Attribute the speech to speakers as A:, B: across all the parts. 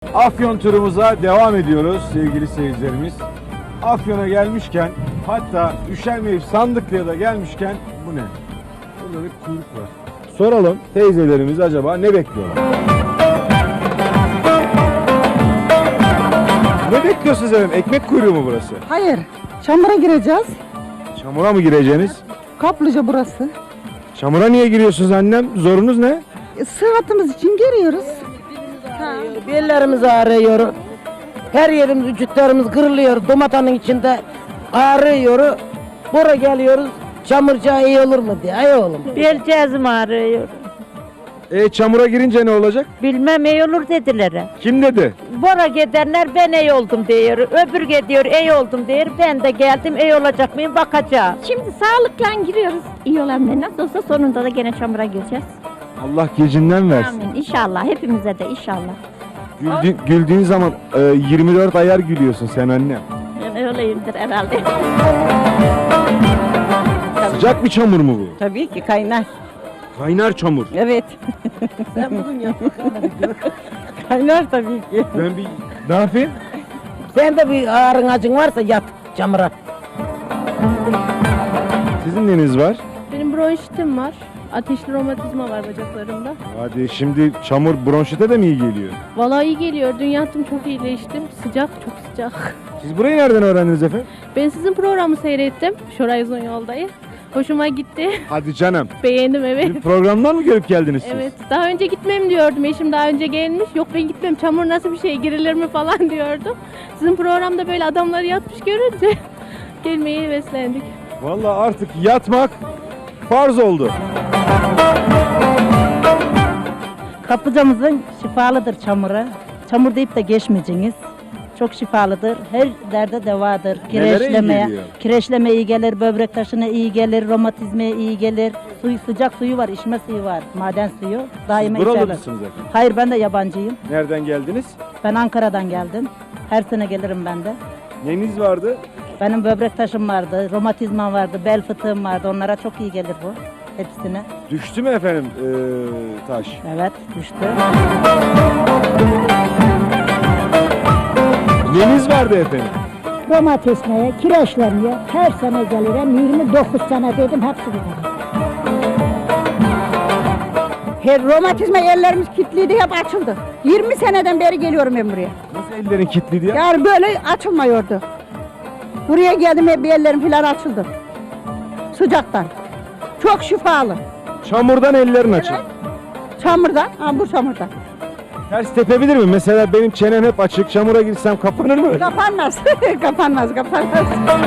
A: Afyon turumuza devam ediyoruz sevgili seyircilerimiz. Afyon'a gelmişken, hatta üşenmeyip Sandıklı'ya da gelmişken bu ne? Burada bir kuyruk var. Soralım teyzelerimiz acaba ne bekliyorlar? Ne bekliyorsunuz efendim? Ekmek kuyruğu mu burası?
B: Hayır, çamura gireceğiz.
A: Çamura mı gireceksiniz?
B: Kaplıca burası.
A: Çamura niye giriyorsunuz annem? Zorunuz ne?
B: Sıhhatimiz için giriyoruz.
C: Bellerimiz ağrıyor. Her yerimiz, vücutlarımız kırılıyor. Domatanın içinde ağrıyor. Buraya geliyoruz. Çamurca iyi olur mu diye. Ay oğlum.
D: Bel cihazım ağrıyor.
A: Çamura girince ne olacak?
D: Bilmem iyi olur dediler.
A: Kim dedi?
D: Bora gidenler ben iyi oldum diyor. Öbür gidiyor iyi oldum diyor. Ben de geldim iyi olacak mıyım bakacağım.
E: Şimdi sağlıkla giriyoruz. İyi olan ne? Nasıl olsa sonunda da gene çamura gireceğiz.
A: Allah gecinden versin.
E: Amin. İnşallah. Hepimize de inşallah.
A: Güldüğün zaman 24 ayar gülüyorsun sen anne.
E: Ben öyleyimdir herhalde.
A: Sıcak bir çamur mu bu?
B: Tabii ki kaynar.
A: Kaynar çamur.
B: Evet.
C: Sen bugün yap.
B: Kaynar tabii ki.
A: Ben bir ne yapayım?
C: Sen de bir ağrın acın varsa yat çamura.
A: Sizin neniz var?
F: Benim bronşitim var. Ateşli romatizma var bacaklarımda.
A: Hadi şimdi çamur bronşite de mi iyi geliyor?
F: Vallahi iyi geliyor. Dün yattım çok iyileştim. Sıcak, çok sıcak.
A: Siz burayı nereden öğrendiniz efendim?
F: Ben sizin programı seyrettim. Şoray Uzun Yol'dayı. Hoşuma gitti.
A: Hadi canım.
F: Beğendim evet.
A: Bir programdan mı görüp geldiniz siz?
F: Evet. Daha önce gitmem diyordum. Eşim daha önce gelmiş. Yok ben gitmem. Çamur nasıl bir şey, girilir mi falan diyordum. Sizin programda böyle adamlar yatmış görünce gelmeyi heveslendik.
A: Vallahi artık yatmak farz oldu.
B: Kaplıcamızın şifalıdır çamura. Çamur deyip de geçmeyeceğiniz. Çok şifalıdır. Her derde devadır.
A: Nelere iyi geliyor?
B: Kireçleme iyi gelir, böbrek taşına iyi gelir, romatizmaya iyi gelir. Sıcak suyu var, içme suyu var, maden suyu. Daima
A: Buralı
B: içerler.
A: mısınız efendim?
B: Hayır, ben de yabancıyım.
A: Nereden geldiniz?
B: Ben Ankara'dan geldim. Her sene gelirim ben de.
A: Neniz vardı?
B: Benim böbrek taşım vardı, romatizmam vardı, bel fıtığım vardı. Onlara çok iyi gelir bu. Hepsine.
A: Düştü mü efendim taş?
B: Evet, düştü.
A: Neniz vardı efendim?
G: Romatizmaya, kireçlenmeye her sene gelirim. 29 sene dedim hepsi gider.
B: Her romatizma yerlerimiz kilitliydi, hep açıldı. 20 seneden beri geliyorum ben buraya.
A: Nasıl ellerin kilitliydi ya?
B: Yani böyle açılmıyordu. Buraya geldim hep yerlerim falan açıldı. Sıcaktan. Çok şifalı.
A: Çamurdan ellerin açık.
B: Çamurdan, ha bu çamurdan.
A: Ters tepebilir mi? Mesela benim çenem hep açık. Çamura girsem kapanır mı?
B: Kapanmaz, kapanmaz, kapanmaz.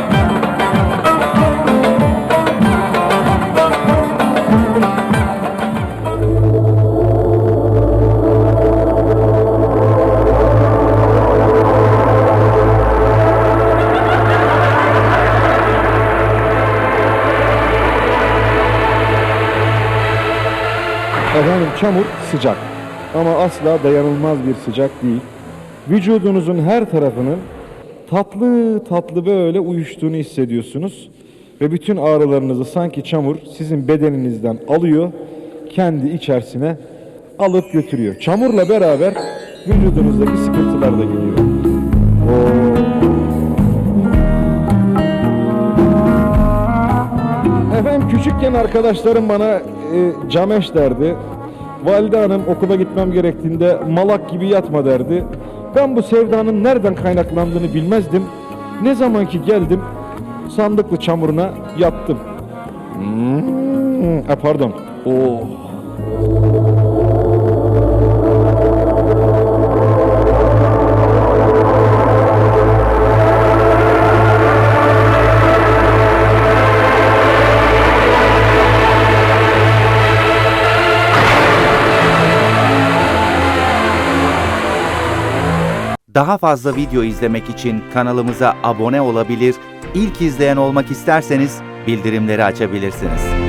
A: Efendim çamur sıcak ama asla dayanılmaz bir sıcak değil. Vücudunuzun her tarafının tatlı tatlı böyle uyuştuğunu hissediyorsunuz. Ve bütün ağrılarınızı sanki çamur sizin bedeninizden alıyor, kendi içerisine alıp götürüyor. Çamurla beraber vücudunuzdaki sıkıntılar da gidiyor. Efendim küçükken arkadaşlarım bana cameş derdi. Valide hanım okula gitmem gerektiğinde malak gibi yatma derdi. Ben bu sevdanın nereden kaynaklandığını bilmezdim. Ne zaman ki geldim Sandıklı çamuruna yattım. Pardon.
H: Daha fazla video izlemek için kanalımıza abone olabilir, ilk izleyen olmak isterseniz bildirimleri açabilirsiniz.